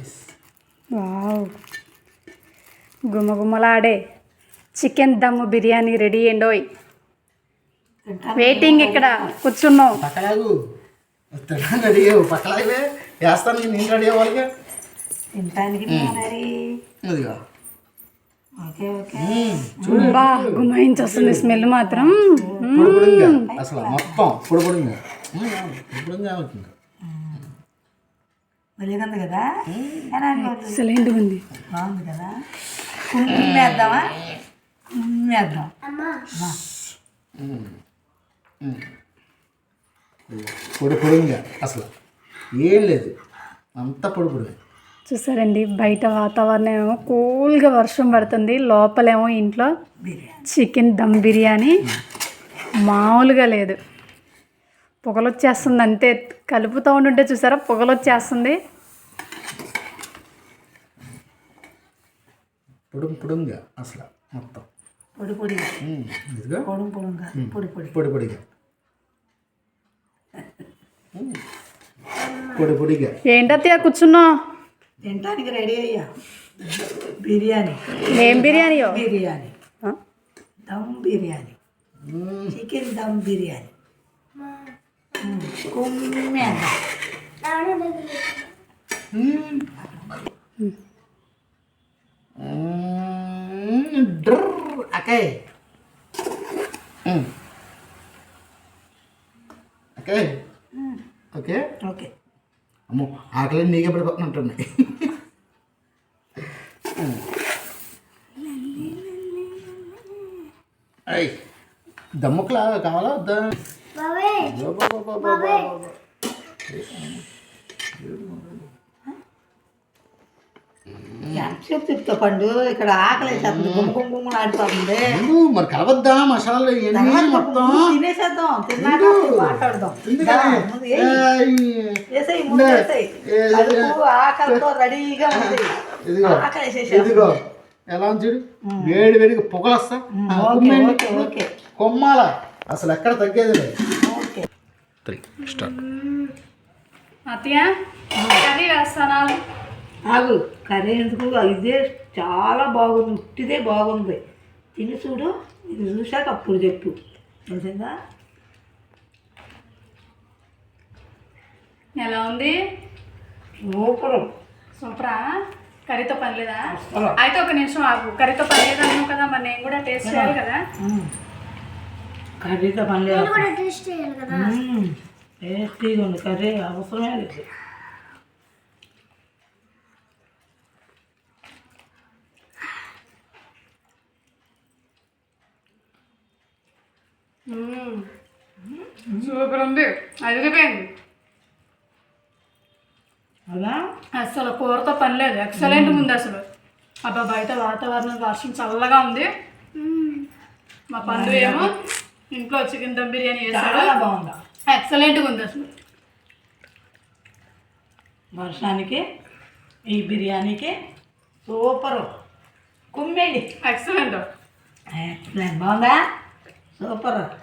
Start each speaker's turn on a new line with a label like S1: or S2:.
S1: Wow, గుమగుమలాడే chicken dum biryani ready అండోయ్. Waiting ఇక్కడ కూర్చున్నావు.
S2: పక్కలాగు రెడీ పక్కలాగే వేస్తాను. నేను రెడీ అవ్వాలిగా
S3: తినటానికి
S2: అదిగా.
S1: బా గుమాయించి వస్తుంది స్మెల్ మాత్రం.
S2: పొడిపొడిగా అసలు మొత్తం పొడిపొడిగా అవుతుంది.
S3: వెళ్ళింది కదా,
S1: ఎక్సలెంట్ ఉంది.
S3: బాగుంది కదా. కుమ్మేద్దామా? కుమ్మేద్దాం.
S2: పొడిపొడిగా అసలు ఏం లేదు, అంతా పొడిపొడిగా.
S1: చూసారండి, బయట వాతావరణం ఏమో కూల్గా వర్షం పడుతుంది, లోపలేమో ఇంట్లో చికెన్ దమ్ బిర్యానీ మామూలుగా లేదు. పొగలొచ్చేస్తుంది అంతే, కలుపుతూ ఉంటుంటే చూసారా పొగలొచ్చేస్తుంది.
S2: పొడిగా అసలు మొత్తం
S3: పొడి పొడిగా పొడి పొడిగా పొడి పొడి
S2: పొడిపొడిగా పొడిపొడిగా.
S1: ఏంటత్తయ్య కూర్చున్నావు?
S3: తినటానికి రెడీ అయ్యా. బిర్యానీ.
S1: ఏం బిర్యానీయో?
S3: బిర్యానీ, దమ్ బిర్యానీ, చికెన్ దమ్ బిర్యానీ. కుమ్మేద్దాం.
S2: Okay okay okay
S3: okay.
S2: అమ్మో ఆకలి నీకే పడిపోతున్నట్టుంది. అయ్యి దమ్ముకులా కావాలా వద్దా?
S3: ఎంతసేపు చెప్తా పండు, ఇక్కడ ఆకలి వేసేస్తుంది, గుమ్మ ఆడిపోతుంది.
S2: మరి కలవద్దా మసాలా ఇవన్నీ మొత్తం?
S3: తినేసేద్దాం, తిన్నాక మాట్లాడదాం. వేసేయి ముందు, వేసేయి. కడుపు ఆకలితో రెడీగా ఉంది. ఆకలి వేసేసి
S2: ఇదిగో ఎలా చూడు, వేడి వేడిగా పొగలొస్తా
S3: ఓకే.
S2: కొమ్మాల అసలు ఎక్కడ తగ్గేది లేదు.
S3: ఓకే.
S1: అత్తయ్య కర్రీ వేస్తానా?
S3: ఆగు, కర్రీ ఎందుకు, ఇదే చాలా బాగుంది, ఉట్టిదే బాగుంది. తిని చూడు, ఇది చూశాక అప్పుడు చెప్పు, తెలిసిందా?
S1: ఎలా ఉంది?
S3: సూపర్.
S1: సూపరా? కర్రీతో పని లేదా? అయితే ఒక నిమిషం ఆగు, కర్రీతో పని లేదు అన్నావు కదా, మరి నేను కూడా టేస్ట్ చేయాలి కదా.
S3: కర్రీతో పని లేదు, టేస్టీగా ఉంది కర్రీ, అవసరమే లేదు.
S1: సూపర్ ఉంది, అదిరిపోయింది.
S3: అలా
S1: అసలు కూరతో పని లేదు, ఎక్సలెంట్ ఉంది అసలు. అబ్బా బయట వాతావరణం వర్షం చల్లగా ఉంది. మా పండు ఏమో ఇంట్లో చికెన్ దమ్ బిర్యానీ వేసాడు,
S3: బాగుందా,
S1: ఎక్సలెంట్గా ఉంది అసలు.
S3: వర్షానికి ఈ బిర్యానీకి సూపరు. కుమ్మేయండి.
S1: ఎక్సలెంట్.
S3: ఎక్సలెంట్, బాగుందా? సూపర్.